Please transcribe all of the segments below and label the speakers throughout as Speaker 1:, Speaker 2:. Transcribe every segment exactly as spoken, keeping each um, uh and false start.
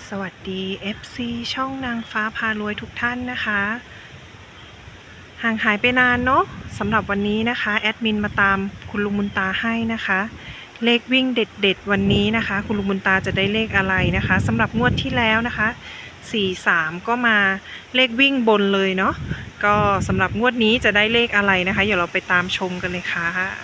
Speaker 1: สวัสดี เอฟ ซี ช่องนางฟ้าพารวยทุกท่านนะคะห่างหายไปนานเนาะสำหรับวันนี้นะคะแอดมินมาตามคุณลุงบุญตาให้นะคะเลขวิ่งเด็ดๆวันนี้นะคะคุณลุงบุญตาจะได้เลขอะไรนะคะสำหรับงวดที่แล้วนะคะสี่สามก็มาเลขวิ่งบนเลยเนาะก็สำหรับงวดนี้จะได้เลขอะไรนะคะเดี๋ยวเราไปตามชมกันเลยค่ะ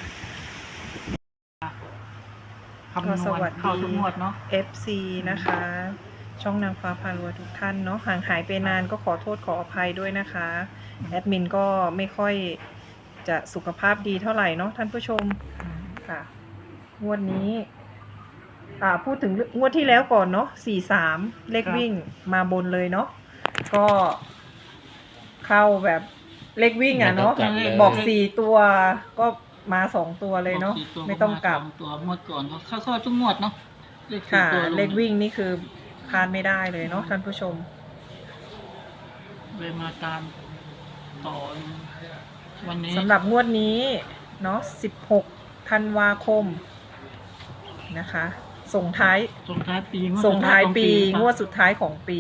Speaker 2: คำนวณเข้าทุกงวดเนาะ
Speaker 1: เอฟ ซี นะคะช่องนางฟ้าพารวยทุกท่านเนาะห่างหายไปนานก็ขอโทษขออภัยด้วยนะคะแอดมินก็ไม่ค่อยจะสุขภาพดีเท่าไหร่เนาะท่านผู้ชมค่ะงวดนี้อ่าพูดถึงงวดที่แล้วก่อนเนาะสี่สามเลขวิ่งมาบนเลยเนาะก็เข้าแบบเลขวิ่งอ่ะเนาะบอกสี่ตัวก็มาสองตัวเลยเนาะไม่ต้องกลับ
Speaker 2: ตัวงวดก่อนเขาเข้าเข้าทุกงวดเนาะ
Speaker 1: ค่ะเลขวิ่งนี่คือพลาดไม่ได้เลยเนาะท่านผู้ชม
Speaker 2: เลยมาตามต่อวันนี้
Speaker 1: สำหรับงวดนี้เนาะสิบหกธันวาคมนะคะส่งท้าย
Speaker 2: ส่งท้ายปี
Speaker 1: ส่งท้ายปีงวดสุดท้ายของปี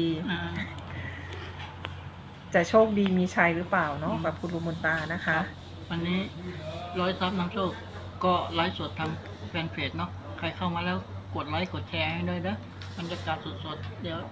Speaker 1: จะโชคดีมีชัยหรือเปล่าเนาะกับคุณลุงมนตานะคะ
Speaker 2: วันนี้ร้อยซับน้ำโชคก็ไลฟ์สดทางแฟนเพจเนาะใครเข้ามาแล้วกดไลค์กดแชร์ให้ด้วยนะบรรยากาศสดๆเดี๋ยว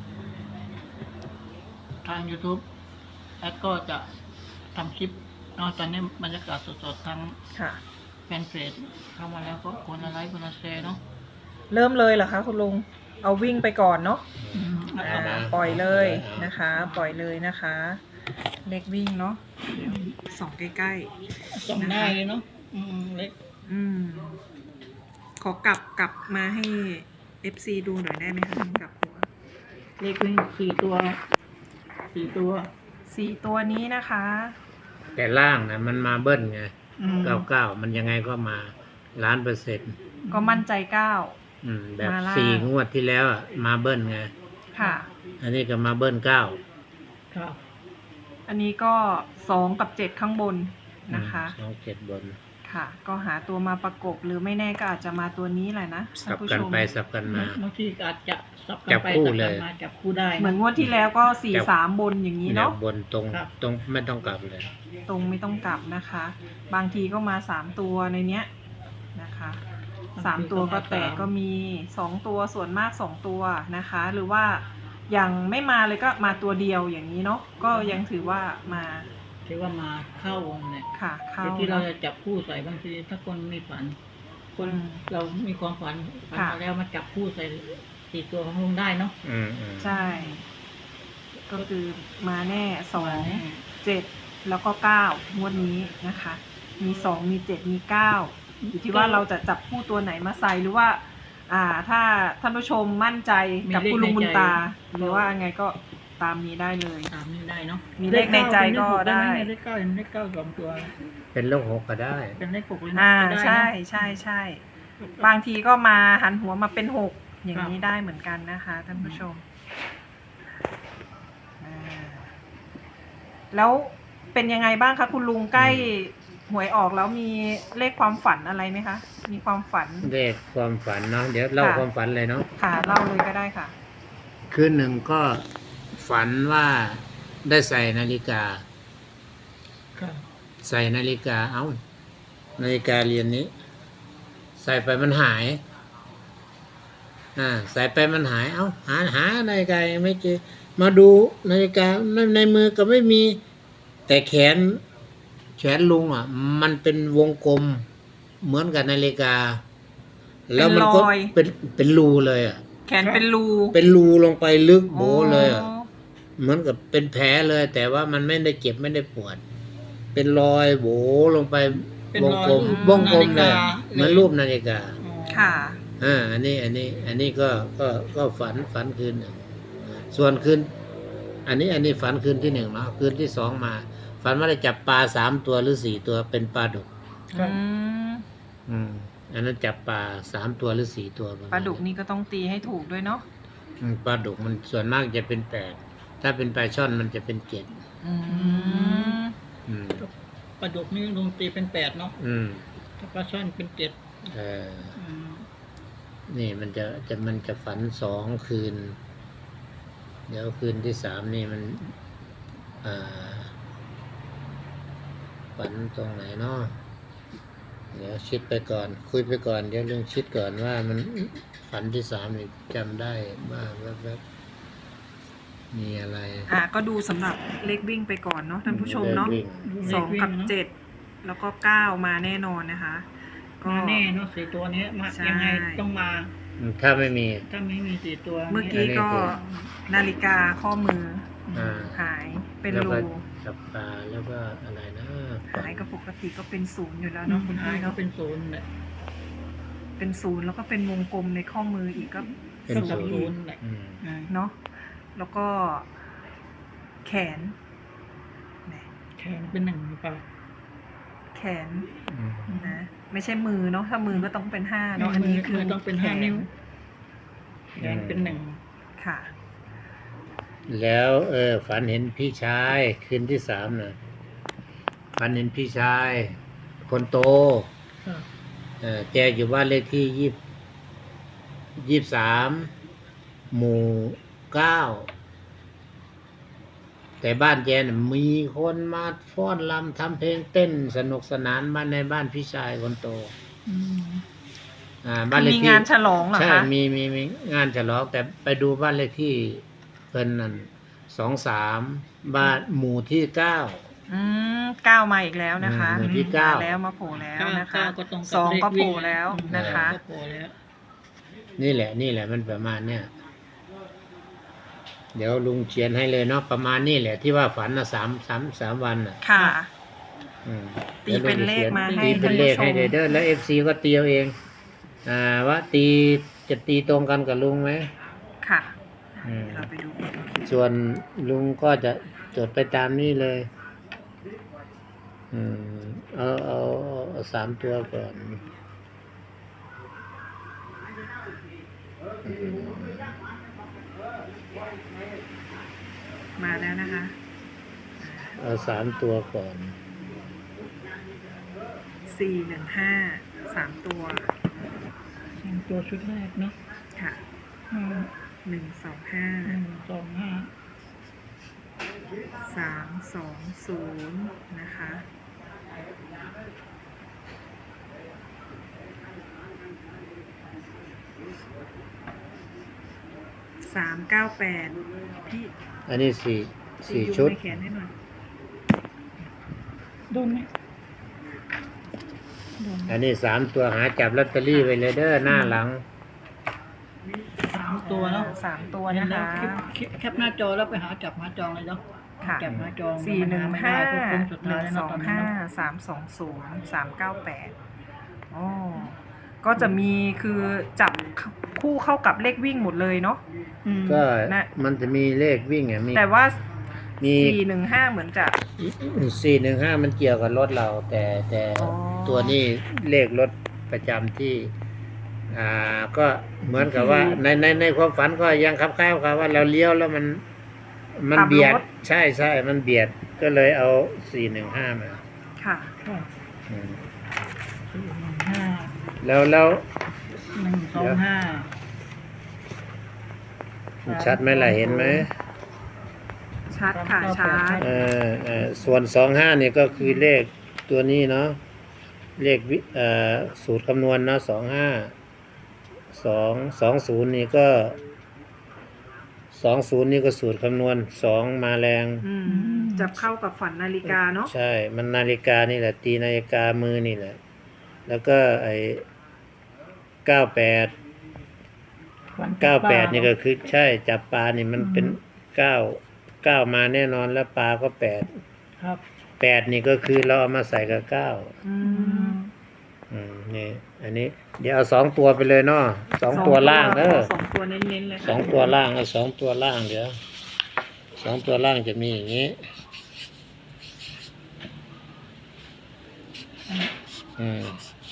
Speaker 2: ทาง YouTube แอดก็จะทำคลิปเนาะตอนนี้บรรยากาศสดๆทางแฟนเพจเข้ามาแล้วก็กดไลค์กดแชร์เนาะ
Speaker 1: เริ่มเลยเหรอคะคุณลุงเอาวิ่งไปก่อนเนาะปล่อยเลยนะคะปล่อยเลยนะคะเล็กวิ่งเนาะส่องใกล้
Speaker 2: ๆส่องได้เลยเนาะอืมเล็ก
Speaker 1: อืมขอกลับกลับมาให้ เอฟ ซี ดูหน่อยได้ไหมคะกลับหัว
Speaker 2: เลขวิ่งสี่ตัวสี่ตัว
Speaker 1: สี่ตัวนี้นะคะ
Speaker 3: แต่ล่างนะมันมาเบิ้ลไงเก้าเก้ามันยังไงก็มาล้านเปอร์เซ็นต์
Speaker 1: ก็มั่นใจเก้า
Speaker 3: อืมแบบสี่งวดที่แล้วมาเบิ้ลไง
Speaker 1: ค่ะ
Speaker 3: อันนี้ก็มาเบิ้ลเก้า
Speaker 2: ครับ
Speaker 1: อันนี้ก็สองกับเจ็ดข้างบนนะคะ
Speaker 3: สองเจ็ดบน
Speaker 1: ค่ะก็หาตัวมาประกบหรือไม่แน่ก็อาจจะมาตัวนี้แหละนะ
Speaker 3: สับกันไปสับกันมา
Speaker 2: บางทีอาจจะสับกันไปสับกันมาจับคู่ได้
Speaker 1: เหมือนงวดที่แล้วก็สี่สามบนอย่างนี้เนาะ
Speaker 3: บนตรงตรงไม่ต้องกลับเลย
Speaker 1: ตรงไม่ต้องกลับนะคะบางทีก็มาสามตัวในเนี้ยนะคะสามตัวก็แตกก็มีสองตัวส่วนมากสองตัวนะคะหรือว่าอย่างไม่มาเลยก็มาตัวเดียวอย่างนี้เนาะก็ยังถือว่ามา
Speaker 2: ถือว่ามาเข้าวงเนี่ย
Speaker 1: ค่ะเข้า
Speaker 2: ที่เราจะจับคู่ใส่บางทีถ้าคนมีฝันคนเรามีความฝันฝันมาแล้วมาจับคู่ใส่สี่ตัวของลุงได้เนาะ
Speaker 3: อืม
Speaker 1: ใช่ก็คือมาแน่สองเจ็ดแล้วก็เก้างวดนี้นะคะมีสองมีเจ็ดมีเก้าอยู่ที่ว่าเราจะจับคู่ตัวไหนมาใส่หรือว่าอ่าถ้าท่านผู้ชมมั่นใจกับคุณลุงบุญตาหรือว่าไงก็ตามนี้ได้เลย
Speaker 2: ตามนี้ได้เนาะ
Speaker 1: มีเลขในใจก็ได้
Speaker 2: เลขเก้าเป็นเลขเก้าสองตัว
Speaker 3: เป็นเลขหกก็ได้
Speaker 2: เป็นเลขหกเลย
Speaker 1: อ่าใช่ใช่ใช่บางทีก็มาหันหัวมาเป็นหกอย่างนี้ได้เหมือนกันนะคะท่านผู้ชมแล้วเป็นยังไงบ้างคะคุณลุงใกล้หวยออกแล้วมีเลขความฝันอะไรไหมคะมีความฝัน
Speaker 3: เลขความฝันเนาะเดี๋ยวเล่าความฝันเลยเนาะ
Speaker 1: ค่ะเล่าเลยก็ได้ค่ะ
Speaker 3: คืนหนึ่งก็ฝันว่าได้ใส่นาฬิกาใส่นาฬิกาเอ้านาฬิกาเรือนนี้ใส่ไปมันหายอ่าใส่ไปมันหายเอ้าหาหานาฬิกาไม่เจอมาดูนาฬิกาในมือก็ไม่มีแต่แขนแขนลุงอ่ะมันเป็นวงกลมเหมือนกับนาฬิกาแล้วมันก็เป็นเป็นรูเลยอ่ะ
Speaker 1: แขนเป็นรู
Speaker 3: เป็นรูลงไปลึกโบเลยอ่ะเหมือนกับเป็นแผลเลยแต่ว่ามันไม่ได้เจ็บไม่ได้ปวดเป็นรอยโบลงไปวงกลมวงกลมเลยเหมือนรูปนาฬิกา
Speaker 1: ค่ะ
Speaker 3: อ่าอันนี้อันนี้อันนี้ก็ก็ก็ฝันฝันคืนหนึ่งส่วนคืนอันนี้อันนี้ฝันคืนที่หนึ่งเนาะคืนที่สองมาฝันว่าได้จับปลาสามตัวหรือสี่ตัวเป็นปลาดุกอืมอันนั้นจับปลาสามตัวหรือสี่ตัว
Speaker 1: ปลาดุกนี่ก็ต้องตีให้ถูกด้วยเนาะ
Speaker 3: ปลาดุกมันส่วนมากจะเป็นแปดถ้าเป็นปลาช่อนมันจะเป็นเจ็ด
Speaker 2: ปลาดุกนี่ลุงตีเป็นแปดเนาะถ้าปลาช่อนเป็นเจ็ด
Speaker 3: เออนี่มันจะจะมันจะฝันสองคืนเดี๋ยวคืนที่สามนี่มันอ่าฝันตรงไหนเนาะเดี๋ยวชิดไปก่อน คุยไปก่อนเดี๋ยวเรื่องชิดก่อนว่ามันฝันที่สามนี่จำได้บ้างแวบๆมีอะไร
Speaker 1: อ่ะก็ดูสำหรับเลขวิ่งไปก่อนเนาะท่านผู้ชมเนาะ
Speaker 3: วิ่ง
Speaker 1: สองกับเจ็ดแล้วก็เก้ามาแน่นอนนะคะ ก็
Speaker 2: มาแน่เนาะสี่ตัวนี้มา
Speaker 1: ใช่
Speaker 2: ยังไงต้องมา
Speaker 3: ถ้าไม่มี
Speaker 2: ถ้าไม่มีสี่ตัว
Speaker 1: เมื่อกี้ก็นาฬิกาข้อมือ
Speaker 3: อ่า
Speaker 1: หายเป็น
Speaker 3: แล้ว
Speaker 1: รู
Speaker 3: ก็จับปลาแล้วก็อะไรนะ
Speaker 1: หายก็ปกติก็เป็นศูนย์อยู่แล้ว
Speaker 2: เนาะ
Speaker 1: เนาะคุณ
Speaker 2: หาย
Speaker 1: พี่
Speaker 2: เขา
Speaker 1: เนาะ
Speaker 2: เป็นศูนย์แหละ
Speaker 1: เป็นศูนย์แล้วก็เป็นวงกลมในข้อมืออีกก็
Speaker 3: เป็น
Speaker 2: ก็
Speaker 3: ศู
Speaker 2: กับ
Speaker 3: นย์
Speaker 2: ศูนย์แหละ
Speaker 3: อืม
Speaker 2: อ่า
Speaker 1: เนาะแล้วก็แขนแหม
Speaker 2: แขนเป็นหนึ่งหรือเปล่า
Speaker 1: แขน
Speaker 3: อืม
Speaker 1: นะไม่ใช่มือเนาะถ้ามือก็ต้องเป็นห้าเนาะอันนี้คือ
Speaker 2: มืต้องเป็นห้านิ้วแขนเป็นหนึ่ง
Speaker 1: ค่ะ
Speaker 3: แล้วเออฝันเห็นพี่ชายคืนที่สามน่ะฝันเห็นพี่ชาย คนโต
Speaker 2: ค่ะ
Speaker 3: เออแกอยู่บ้านเลขที่ยี่ยี่สามหมู่เก้าแต่บ้านแกน่ะมีคนมาฟ้อนรำทำเพลงเต้นสนุกสนานบ้านในบ้านพี่ชายคนโต
Speaker 2: อืม
Speaker 3: อ่าบ้านเลข
Speaker 1: มี
Speaker 3: ที่
Speaker 1: งานฉลองเหรอ
Speaker 3: ใช่
Speaker 1: คะ
Speaker 3: มีมีมีงานฉลองแต่ไปดูบ้านเลขที่เพิ่นนั่นสองสามบ้านหมู่ที่เก้า
Speaker 1: อืมเก้ามาอีกแล้วนะคะ
Speaker 3: อืมที่เก้า
Speaker 1: มาแล้วมาโผล่แล้ว
Speaker 2: เก้า
Speaker 1: นะคะ
Speaker 2: เก้าก็ตรงกับ
Speaker 1: สอง
Speaker 2: เลข
Speaker 1: ก็โผล่
Speaker 2: วิ่ง
Speaker 1: แล้ว
Speaker 2: อืม
Speaker 1: นะคะ
Speaker 2: ก็โผล่แล้ว
Speaker 3: นี่แหละ นี่แหละมันประมาณเนี้ยเดี๋ยวลุงเขียนให้เลยเนาะประมาณนี้แหละที่ว่าฝันนะสามสามสามวันน่ะ
Speaker 1: ค่ะ
Speaker 3: อืม
Speaker 1: ตีเป็นเลขมาให้
Speaker 3: ตีเป็นเลขให้
Speaker 1: ท่านผู้ชม
Speaker 3: เด้อแล้วเอฟซีก็ตีเอาเอง อ่าว่าตีจะตีตรงกันกับลุงไหม
Speaker 1: ค่ะ
Speaker 3: อืม
Speaker 1: เราไปดู
Speaker 3: ส่วนลุงก็จะจดไปตามนี้เลย อืมเอาเอาเอาเอาสามตัวก่อนอืม
Speaker 1: มาแล้วนะคะ
Speaker 3: เอาสามตัวก่อน
Speaker 1: สี่หนึ่งห้าสามตัว
Speaker 2: ตัวชุดแรกเนาะ
Speaker 1: ค่ะ
Speaker 2: อืม
Speaker 1: หนึ่งสองห้า
Speaker 2: หนึ่งสองห้า
Speaker 1: สามสองศูนย์นะคะ สามเก้าแปดพี่
Speaker 3: อันนี้สี่สี่
Speaker 1: ยู
Speaker 3: ชุด
Speaker 1: ในแขนให้หน่อย
Speaker 2: โดนไหมโดนไหม
Speaker 3: อันนี้สามตัวหาจับลอตเตอรี่ไปเลยเด้อหน้าหลัง
Speaker 2: สามตัวเนาะ
Speaker 1: สามตัวนะคะ
Speaker 2: แคปแคปแคปหน้าจอแล้วไปหาจับหน้าจองเลยเนาะ
Speaker 1: ค่ะ
Speaker 2: จับหน้าจอง
Speaker 1: สี่หนึ่ง
Speaker 2: มั
Speaker 1: ห้า
Speaker 2: ไม่ได้เพราะโค้งสุด
Speaker 1: ห
Speaker 2: ท้า
Speaker 1: นึ่
Speaker 2: ย
Speaker 1: ง
Speaker 2: แล้ว
Speaker 1: ส
Speaker 2: เนาะ
Speaker 1: อง
Speaker 2: ตอนนี้
Speaker 1: ห้า
Speaker 2: เนาะ
Speaker 1: สามสองศูนย์สามเก้าแปดอ๋อก็จะมีคือจับคู่เข้ากับเลขวิ่งหมดเลยเนาะ
Speaker 2: อืม
Speaker 3: ก็
Speaker 1: นะ
Speaker 3: มันจะมีเลขวิ่งอ่ะมี
Speaker 1: แต่ว่า
Speaker 3: มี
Speaker 1: สี่หนึ่งห้าเหมือนจะ
Speaker 3: สี่หนึ่งห้ามันเกี่ยวกับรถเรา แต่แต่
Speaker 1: อ๋อ
Speaker 3: ตัวนี้เลขรถประจำที่ อ่าก็เหมือนกับว่า ในในในความฝันก็ยังคับค้ายกับว่าเราเลี้ยวแล้วมันมันเบียด ใช่ใช่มันเบียดก็เลยเอาสี่หนึ่งห้ามา
Speaker 1: ค่ะ
Speaker 2: ค่ะ
Speaker 3: อืม
Speaker 2: สี่หนึ่งห้า
Speaker 3: แล้วแล้ว
Speaker 2: หนึ่งสองห้า
Speaker 3: ชัดไหมล่ะเห็นไหม
Speaker 1: ชัดค่ะชัด
Speaker 3: เออเออส่วนสองห้านี่ก็คือเลขตัวนี้เนาะเลขวิเอ่อสูตรคำนวณเนาะสองห้าสองสองศูนย์นี่ก็สองศูนย์นี่ก็สูตรคำนวณสองมาแรง
Speaker 1: อืมจับเข้ากับฝันนาฬิกาเนาะ
Speaker 3: ใช่ มันนาฬิกานี่แหละ ตีนาฬิกามือนี่แหละ แล้วก็ไอ้เก้าแปดเก้าแปดนี่ก็คือใช่จับปลานี่มันเป็นเก้าเก้ามาแน่นอนแล้วปลาก็แปด
Speaker 2: ครับ
Speaker 3: แปดนี่ก็คือเราเอามาใส่กับเก้า
Speaker 1: อืม
Speaker 3: อืมนี่อันนี้ เดี๋ยวเอาสองตัวไปเลยเนาะสองตัวล่างเด้อ
Speaker 1: สองตัวเน้นๆเลย
Speaker 3: สองตัวล่างเอาสองตัวล่างเดี๋ยวสองตัวล่างจะมีอย่างนี้ อืม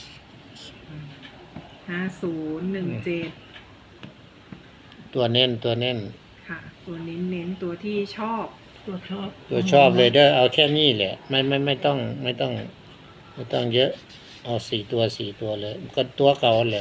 Speaker 1: ห้าศูนย์หนึ่งเจ็ด
Speaker 3: ตัวเน้นตัวเน้น
Speaker 1: ค่ะ ตัวเน้นๆตัวที่ชอบ
Speaker 2: ตัวชอบ
Speaker 3: ตัวชอบเลยเด้อเอาแค่นี้แหละ ไม่ไม่ไม่ต้องไม่ต้อง ไม่ต้องเยอะ เอาสี่ตัวสี่ตัวเลย ก็ตัวเก่าแหละ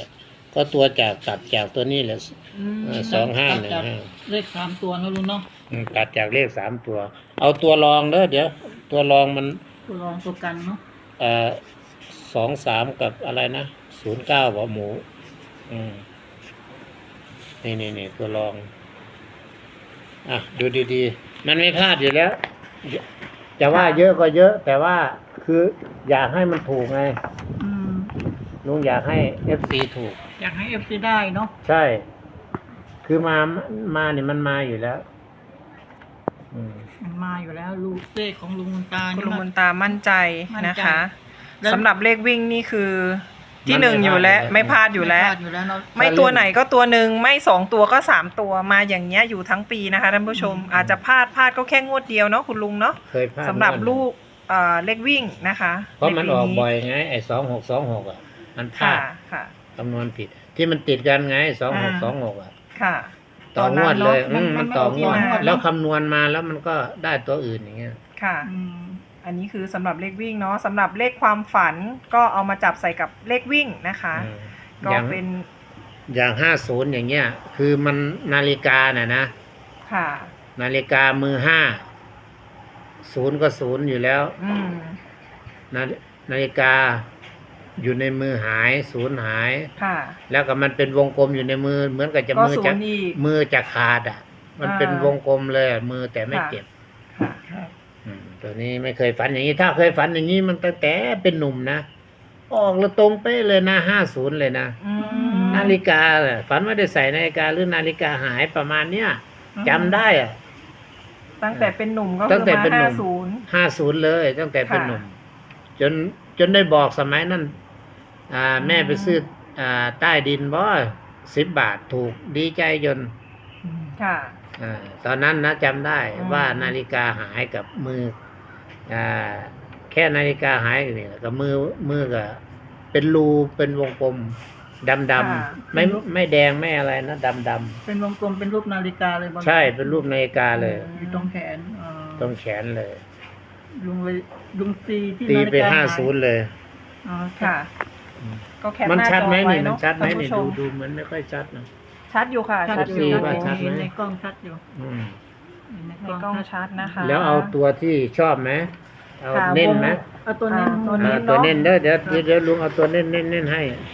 Speaker 3: ก็ตัวจากตัดจากตัวนี้แหละ
Speaker 1: อืม
Speaker 3: เออสองห้าหนึ่ง
Speaker 2: ตัด
Speaker 3: ห้า
Speaker 2: เลขสามตัวนะลุงเนาะ
Speaker 3: อืมตัดจากเลขสามตัว เอาตัวรองเด้อเดี๋ยว ตัวรองมัน
Speaker 2: ตัวรองตัวกันเนาะ
Speaker 3: เอ่อสองสามกับอะไรนะศูนย์เก้าหัวหมู อืมนี่นี่นี่ตัวรอง อ่ะ ดูดีๆ มันไม่พลาดอยู่แล้ว จะว่าเยอะก็เยอะ แต่ว่าคืออยากให้มันถูกไง
Speaker 2: อืม
Speaker 3: ลุงอยากให้เอฟซีถูก
Speaker 2: อยากให้เอฟซีได้เนาะ
Speaker 3: ใช่ คือมา มาเนี่ยมันมาอยู่แล้ว อืม
Speaker 2: มันมาอยู่แล้วลูกเลขของลุงมนตา
Speaker 1: คุณ
Speaker 2: นี่
Speaker 1: ลุงม
Speaker 2: มัน
Speaker 1: นตามั่นใจ
Speaker 2: มั่นใจ
Speaker 1: นะคะ
Speaker 2: แล้ว
Speaker 1: สำหรับเลขวิ่งนี่คือ ที่
Speaker 3: มัน
Speaker 1: หนึ่ง
Speaker 3: ไม่
Speaker 1: อยู่แล้ว
Speaker 3: พลาดอยู่แล้ว
Speaker 1: ไม่พลาดอยู่แล้ว
Speaker 2: ไม่พลาดอยู่แล้วเนาะ
Speaker 1: ไม่ตัวไหนก็ตัวหนึ่งไม่สองตัวก็สามตัวมาอย่างเงี้ยอยู่ทั้งปีนะคะท่านผู้ชม อาจจะพลาดพลาดก็แค่งวดเดียวเนาะคุณลุงเนาะ
Speaker 3: เคยพลาด
Speaker 1: สำหรับ
Speaker 3: งวด
Speaker 1: ลูกเอ่อเลขวิ่งนะคะ
Speaker 3: เพราะมัน
Speaker 1: ใปี
Speaker 3: ออกบ่อยไง ไอ้สองหกสองหกอ่ะ มันพลา
Speaker 1: ค่ะ
Speaker 3: ด
Speaker 1: ค่ะ
Speaker 3: คำนวณผิด ที่มันติดกันไงสองหกสองหกอ่ะ
Speaker 1: ค่ะ
Speaker 3: ต่องวดเลย
Speaker 1: ตอนนั้นเนอะ
Speaker 3: อืมมันต่องวด
Speaker 1: มันไม่ออก
Speaker 3: แล้วคำนวณมาแล้วมันก็ได้ตัวอื่นอย่างเงี้ย
Speaker 1: ค่ะ
Speaker 2: อืม
Speaker 1: อันนี้คือสำหรับเลขวิ่งเนาะสำหรับเลขความฝันก็เอามาจับใส่กับเลขวิ่งนะคะ
Speaker 3: อืม
Speaker 1: ก็
Speaker 3: อย่าง
Speaker 1: เป็น
Speaker 3: อย่างห้าศูนย์อย่างเงี้ย คือมันนาฬิกาน่ะนะ
Speaker 1: ค่ะ
Speaker 3: นาฬิกามือห้าศูนย์ก็ศูนย์อยู่แล้ว
Speaker 1: อืม
Speaker 3: นานาฬิกาอยู่ในมือหายศูนย์หาย
Speaker 1: ค่ะ
Speaker 3: แล้วก็มันเป็นวงกลมอยู่ในมือ เหมือนกับจะ
Speaker 1: ก็
Speaker 3: มือ
Speaker 1: ศู
Speaker 3: จะ
Speaker 1: นย์อีก
Speaker 3: มือจะขาดอ่ะ มัน
Speaker 1: อ่า
Speaker 3: เป็นวงกลมเลยอะมือแต่ไม่
Speaker 1: ค่ะ
Speaker 3: เจ็บ
Speaker 1: ค่ะ
Speaker 2: ครับ
Speaker 3: อืมตัวนี้ไม่เคยฝันอย่างนี้ ถ้าเคยฝันอย่างนี้มันตั้งแต่เป็นหนุ่มนะออกแล้วตรงเป๊ะเลยนะห้าศูนย์เลยนะ
Speaker 1: อืม
Speaker 3: นาฬิกาเนี่ยฝันว่าได้ใส่นาฬิกาหรือนาฬิกาหายประมาณเนี้ยจำได้อ่ะ
Speaker 1: ตั้งแต่เป็นหนุ่มก็
Speaker 3: ตั้
Speaker 1: คื
Speaker 3: ง
Speaker 1: อ
Speaker 3: แต่
Speaker 1: มา
Speaker 3: เป็นหนุ่
Speaker 1: ห้าม ศูนย์
Speaker 3: ห้าศูนย์เลย ตั้งแต่เป็น
Speaker 1: ค่ะ
Speaker 3: หนุ่ม จนจนได้บอกสมัยนั้นอ่าแม่ไปซื้ออ่าใต้ดินบ่สิบบาทถูกดีใจจน
Speaker 1: ค่ะ
Speaker 3: อ่าตอนนั้นนะจำได้
Speaker 1: อืม
Speaker 3: ว่านาฬิกาหายกับมืออ่าแค่นาฬิกาหายนี่แหละกับมือมือก็เป็นรูเป็นวงกลมดำดำๆไม่ไม่แดงไม่อะไรนะดำด
Speaker 2: เป็นวงกลมเป็นรูปนาฬิกาเลยบาง
Speaker 3: ำใช่เป็นรูปนาฬิกาเลย
Speaker 2: อยู่ตรงแขนอ่า
Speaker 3: ตรงแขนเลย
Speaker 2: ลุงเลยลุงตีที่
Speaker 3: ตี
Speaker 2: นาฬิ
Speaker 3: ไป
Speaker 2: กา
Speaker 3: ห้าศูนย์เลย
Speaker 2: อ๋อ
Speaker 1: ค่ะ ก็แคป
Speaker 3: มัน
Speaker 1: หน้า
Speaker 3: ชัด
Speaker 1: จอ
Speaker 3: ไหม
Speaker 1: ไว้
Speaker 3: นี่มัน
Speaker 1: เนาะ
Speaker 3: ชัดไหม
Speaker 1: ท่าน
Speaker 3: นี่
Speaker 1: ผู้ช
Speaker 3: ดู
Speaker 1: ม
Speaker 3: ดูมันไม่ค่อยชัดนะ
Speaker 1: ชัดอยู่ค่ะ
Speaker 2: ชัด
Speaker 1: ชัด
Speaker 2: อ
Speaker 1: อยู่ ยู่
Speaker 3: ว่าชัดไหม
Speaker 2: เห็นในกล้องชัดอยู่
Speaker 3: อืม
Speaker 2: เห็นใน
Speaker 1: ใน
Speaker 2: กล้อง
Speaker 1: กล้อง
Speaker 2: ชัด
Speaker 1: ชัดนะคะ
Speaker 3: แล้วเอาตัวที่ชอบไหมเอา
Speaker 1: ค่ะ
Speaker 3: เน้นไหม
Speaker 2: เอาตัวนี้
Speaker 1: อ่าตัวนี้
Speaker 3: อ่าตัวเน้นเด้อเดี๋ยวเดี๋ยวเดี๋ยวลุงเอาตัวเน้นเน้นเน้นให้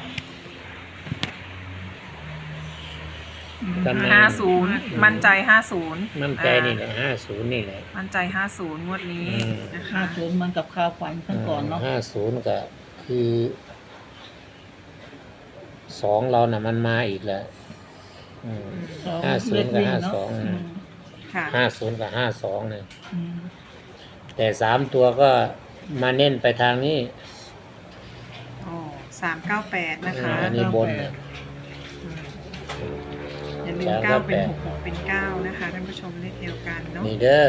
Speaker 3: จำได้
Speaker 1: ห้าศูนย์มั่นใจห้าศูนย์
Speaker 3: มั่นใจนี่แหละห้าศูนย์นี่แหละ
Speaker 1: มั่นใจห้าศูนย์งวดนี้
Speaker 3: อืม
Speaker 1: นะ
Speaker 2: ห้า
Speaker 1: คะ
Speaker 2: ศูนย์เหมันกับข่าวฝันขั้นก่อนเนาะ
Speaker 3: ห้าศูนย์ก็คือสองเราน่ะมันมาอีกแล้วอืม
Speaker 2: สอง
Speaker 3: ห้าศูนย์กับ
Speaker 2: เลขวิ่
Speaker 3: ห้า
Speaker 2: เะ
Speaker 3: สอง
Speaker 2: ม
Speaker 1: ค่ะ
Speaker 3: ห้าศูนย์กับห้าสองเนี่ย
Speaker 2: อืม
Speaker 3: แต่สามตัวก็มาเน้นไปทางนี้
Speaker 1: โอ้สามเก้าแปดนะคะ
Speaker 3: อันนี้บนเนี่ย
Speaker 1: อืมอย่าลืม
Speaker 3: สาม
Speaker 1: เก้า
Speaker 3: เก้า
Speaker 1: เป็น
Speaker 3: แปด
Speaker 1: หกหกเป็นเก้านะคะท่านผู้ชมเลขเดียวกันเนาะ
Speaker 3: นี่เด้อ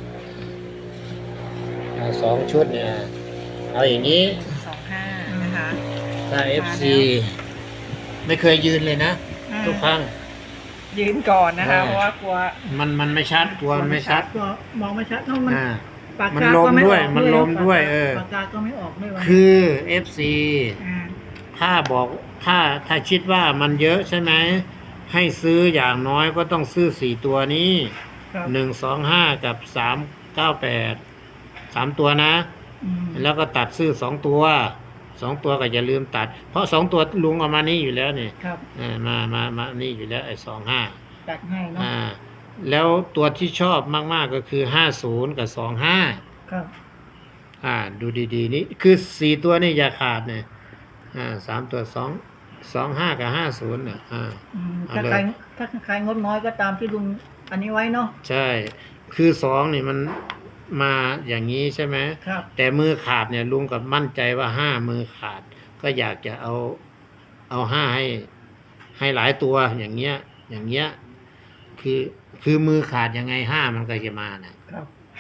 Speaker 3: เอาสองชุดเนี่ยเอาอย่างนี้
Speaker 1: สองห้านะคะ
Speaker 3: ถ้าเอฟซีไม่เคยยืนเลยนะ ทุกครั้ง
Speaker 1: ยืนก่อนนะคะ
Speaker 3: อ่า
Speaker 1: เพราะว่ากลัว
Speaker 3: มันมันไม่ชัดกลัวมันไม่ชัด
Speaker 2: ก็มองไม่ชัดเท่ามัน
Speaker 3: อ่า
Speaker 2: ปาก
Speaker 3: มัน
Speaker 2: กา
Speaker 3: ลม
Speaker 2: ก็ไ
Speaker 3: ด้วย
Speaker 2: ออก
Speaker 3: มันลมด้วยเออ
Speaker 2: ปากกาก็ไม่ออกด้วยวะ
Speaker 3: คือ เอฟ ซี
Speaker 2: อ่า
Speaker 3: ถ้าบอกถ้าถ้าคิดว่ามันเยอะใช่ไหมให้ซื้ออย่างน้อยก็ต้องซื้อสี่ตัวนี้
Speaker 2: ครับ
Speaker 3: หนึ่งสองห้ากับสามเก้าแปดสามตัวนะ
Speaker 2: อืม
Speaker 3: แล้วก็ตัดซื้อสองตัวสองตัวก็อย่าลืมตัด เพราะสองตัวลุงเอามานี่อยู่แล้วนี่
Speaker 2: ครับ
Speaker 3: อ่ามามามานี่อยู่แล้วไอ้สองห้า
Speaker 2: ตัดให้เนาะ
Speaker 3: อ่าแล้วตัวที่ชอบมากๆก็คือห้าศูนย์กับสองห้า
Speaker 2: ครับ
Speaker 3: อ่าดูดีๆนี่คือสี่ตัวนี่อย่าขาดเนี่ยอ่าสามตัวสองสองห้ากับห้าศูนย์เนี่ยอ่า
Speaker 2: อืม
Speaker 3: เอา
Speaker 2: ถ้า
Speaker 3: เลย
Speaker 2: ใครถ้าใครงดน้อยก็ตามที่ลุงอันนี้ไว้เนาะ
Speaker 3: ใช่ คือสองนี่มันมาอย่างนี้ใช่ไหม
Speaker 2: ครับ
Speaker 3: แต่มือขาดเนี่ยลุงกับมั่นใจว่าห้ามือขาด ก็อยากจะเอาเอาห้าให้ให้หลายตัวอย่างเงี้ย อย่างเงี้ย คือคือมือขาดยังไงห้ามันก็จะมานะครับ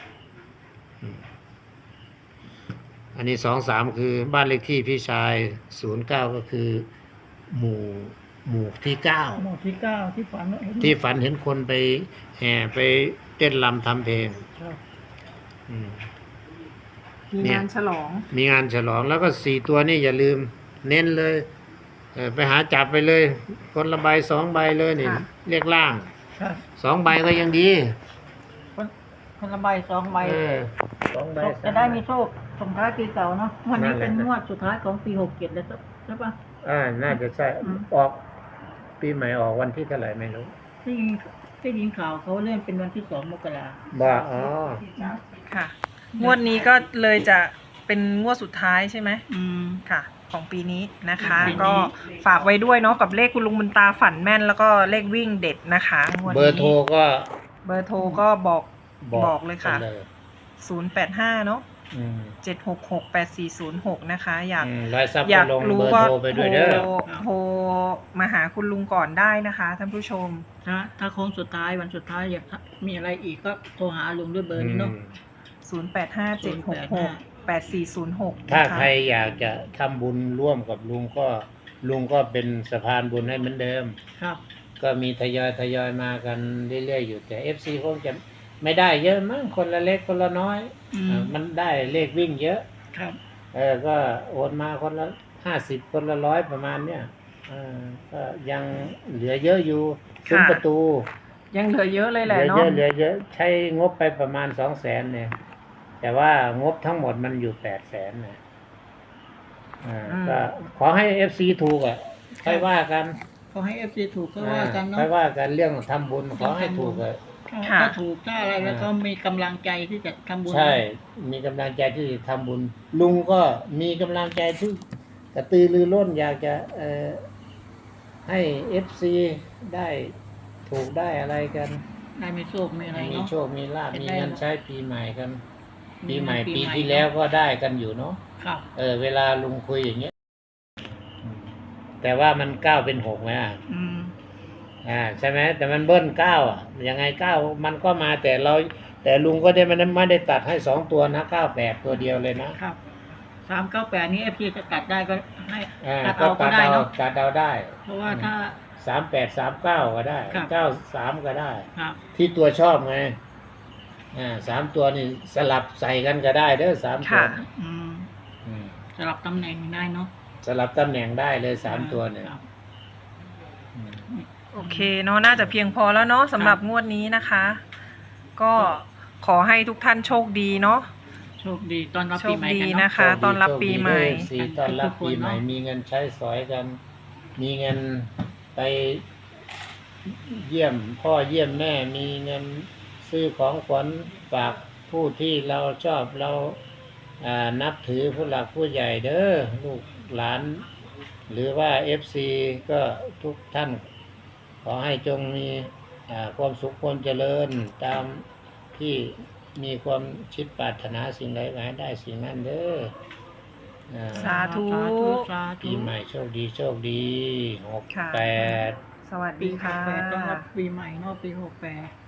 Speaker 3: อันนี้สองสามคือบ้านเลขที่พี่ชายศูนย์เก้าก็คือ หมู่หมู่ที่เก้า
Speaker 2: หมวดที่เก้าที่ฝันเห็น
Speaker 3: ที่ฝันเห็นคนไปแห่ไปเต้นรำทำเพลง
Speaker 2: ครับ
Speaker 3: อืม
Speaker 1: มี
Speaker 3: เนี่ย
Speaker 1: งานฉลอง
Speaker 3: มีงานฉลองแล้วก็สี่ตัวนี่อย่าลืมเน้นเลยเออไปหาจับไปเลย คนละใบสองใบเลยนี่
Speaker 1: ค่ะ
Speaker 3: เรียกล่าง
Speaker 2: ครับ
Speaker 3: สองใบก็ยังดี
Speaker 2: คนคนละใบสองใบ
Speaker 3: เออสองใบ
Speaker 2: จะได้มีโชคส่งท้ายปีเก่าเนาะวันนี้
Speaker 3: นั่นแหละ
Speaker 2: เป็นงวดสุดท้ายของปีหกเจ็ดแล้วใช่ปะ
Speaker 3: อ่าน่าจะใช่
Speaker 2: อืม
Speaker 3: ออก ปีใหม่ออกวันที่เท่าไหร่ไม่รู้
Speaker 2: ที่ยิงที่ยิงข่าวเขาเลื่อนเป็นวันที่สองมกรา
Speaker 3: บ้าอ๋อ
Speaker 1: ค่ะ งวดนี้ก็เลยจะเป็นงวดสุดท้ายใช่ไหม
Speaker 2: อืม
Speaker 1: ค่ะ ของปีนี้นะคะ
Speaker 2: ปีนี้
Speaker 1: ก็ฝากไว้ด้วยเนาะกับเลขคุณลุงบุญตาฝันแม่น แล้วก็เลขวิ่งเด็ดนะคะงวดนี้
Speaker 3: เบอร์โทรก็
Speaker 1: เบอร์โทรก็บอก
Speaker 3: บอก
Speaker 1: บอกเลยค่ะ
Speaker 3: ไปเลย
Speaker 1: ศูนย์ แปด ห้า เนาะ
Speaker 3: อืม
Speaker 1: เจ็ด หก หก แปด สี่ ศูนย์ หก นะคะ อยาก
Speaker 3: อืมรายทรัพย์
Speaker 1: อ
Speaker 3: ก็
Speaker 1: ยาก
Speaker 3: ลง
Speaker 1: รู้
Speaker 3: เบอร์
Speaker 1: ก็
Speaker 3: โทรไป
Speaker 1: โท
Speaker 3: ด้วย
Speaker 1: ร
Speaker 3: เด้อ
Speaker 1: โทรมาหาคุณลุงก่อนได้นะคะท่านผู้ชม
Speaker 2: ถ้าถ้าโค้งสุดท้ายวันสุดท้ายอยากมีอะไรอีกก็โทรหาลุงด้วยเบอร์นี้เนาะ
Speaker 3: อืม
Speaker 1: ศูนย์ แปด ห้า เจ็ด หก หก แปด สี่ ศูนย์ หก
Speaker 3: ถ้า
Speaker 1: นะคะ
Speaker 3: ใครอยากจะทำบุญร่วมกับลุงก็ลุงก็เป็นสะพานบุญให้เหมือนเดิม
Speaker 2: ครับ
Speaker 3: ก็มีทยอยทยอยมากันเรื่อยๆอยู่แต่ เอฟ ซี คงจะไม่ได้เยอะมั้งคนละเล็กคนละน้อย
Speaker 2: อื
Speaker 3: อ่าม มันได้เลขวิ่งเยอะ
Speaker 2: ครับ
Speaker 3: เออก็โอนมาคนละห้าสิบคนละร้อยประมาณเนี้ยเออก็ยังเหลือเยอะอยู่ซุ้ม
Speaker 1: ค่ะ
Speaker 3: ประตู
Speaker 1: ยังเหลือเยอะเลย
Speaker 3: เห
Speaker 1: แหละ
Speaker 3: ลือ
Speaker 1: เนาะ
Speaker 3: เยอะเหลือเยอะใช้งบไปประมาณสองแสนเนี่ย แต่ว่างบทั้งหมดมันอยู่แปดแสนนะอ่าก็ขอให้เอฟซีถูกอ่ะค่อยว่ากัน
Speaker 2: ขอให้เอฟซีถูกก็ว่ากันเนาะ
Speaker 3: ค่อยว่ากันเรื่องทำบุญขอให้ถูกเลย
Speaker 1: ค่ะ
Speaker 2: ถ้าถูกถ้าอะไรแล้วก็มีกำลังใจที่จะทำบุญ
Speaker 3: ใช่ มีกำลังใจที่ทำบุญ ลุงก็มีกำลังใจที่กระตือรือร้นอยากจะเอ่อให้เอฟซีได้ถูกได้อะไรกัน
Speaker 2: ได้มีโชคมีอะไร
Speaker 3: มี
Speaker 2: เนาะ
Speaker 3: โชค มีลาภ
Speaker 2: เป็น
Speaker 3: มี
Speaker 2: ได้
Speaker 3: เงินใช้ปีใหม่กัน
Speaker 2: มี
Speaker 3: ปีใหม่
Speaker 2: ปี
Speaker 3: ปี
Speaker 2: ใหม่
Speaker 3: ที่แล้วก็ได้กันอยู่เนาะ
Speaker 2: ครับ
Speaker 3: เออ เวลาลุงคุยอย่างเงี้ยอืมแต่ว่ามันเก้าเป็นหกไหมอ่ะ
Speaker 2: อืม
Speaker 3: อ่าใช่ไหมแต่มันเบิ้ลเก้าอ่ะยังไงเก้ามันก็มาแต่เรา แต่ลุงก็ได้มันไม่ได้ตัดให้สองตัวนะเก้าแปดตัวเดียวเลยนะครับ
Speaker 2: สามเก้าแปดนี้เอฟซีจะตัดได้ก็ให้
Speaker 3: อ่า
Speaker 2: ตัด
Speaker 3: ก็
Speaker 2: เอาก็
Speaker 3: ตัด
Speaker 2: ได้
Speaker 3: เอา
Speaker 2: เนาะ
Speaker 3: ตัดเอาได้
Speaker 2: เพราะว่าถ้า
Speaker 3: สามแปดสามเก้าก็ได้
Speaker 2: ครับ
Speaker 3: เก้าสามก็ได้
Speaker 2: ครับ
Speaker 3: ที่ตัวชอบไงอ่าสามตัวนี่สลับใส่กันก็ได้เด้อสามตัว
Speaker 1: ค่ะ
Speaker 2: อืม
Speaker 3: อืม
Speaker 2: สลับตำแหน่งได้เนาะ
Speaker 3: สลับตำแหน่งได้เลยสามตัวเนี่ย
Speaker 2: ครับ
Speaker 3: อืม
Speaker 1: โอเคเนาะน่าจะเพียงพอแล้วเนาะสำหรับงวดนี้นะคะ ก็ขอให้ทุกท่านโชคดีเนาะ
Speaker 2: โชคดีตอนรับ
Speaker 1: โช
Speaker 2: ปี
Speaker 1: ค
Speaker 2: ใหม่
Speaker 1: ดี
Speaker 2: กัน
Speaker 1: นะ
Speaker 2: เนาะ
Speaker 1: คะ ต้อนรับปีใหม่
Speaker 3: โชคดีเด้อ เอฟ ซี ต้อนรับปีใหม่
Speaker 2: ทุกคนเนอะ
Speaker 3: มีเงินใช้สอยกัน มีเงินไปเยี่ยมพ่อเยี่ยมแม่ มีเงินซื้อของขวัญฝากผู้ที่เราชอบเราอ่านับถือผู้หลักผู้ใหญ่เด้อลูกหลาน หรือว่า เอฟ ซี ก็ทุกท่าน ขอให้จงมีอ่าความสุขความเจริญตามที่มีความชิดปรารถนาสิ่งใดขอให้ได้สิ่งนั้นเด้ออ่า
Speaker 1: สาธุ
Speaker 2: สาธุสาธุ
Speaker 3: ปีใหม่โชคดีโชคดีหก
Speaker 1: ค่ะ
Speaker 3: แปด
Speaker 1: สวัส
Speaker 2: ปี
Speaker 1: ดี
Speaker 2: ห
Speaker 1: ค่ะ
Speaker 2: กแปดต้อนรับปีใหม่เนาะปีหกแปด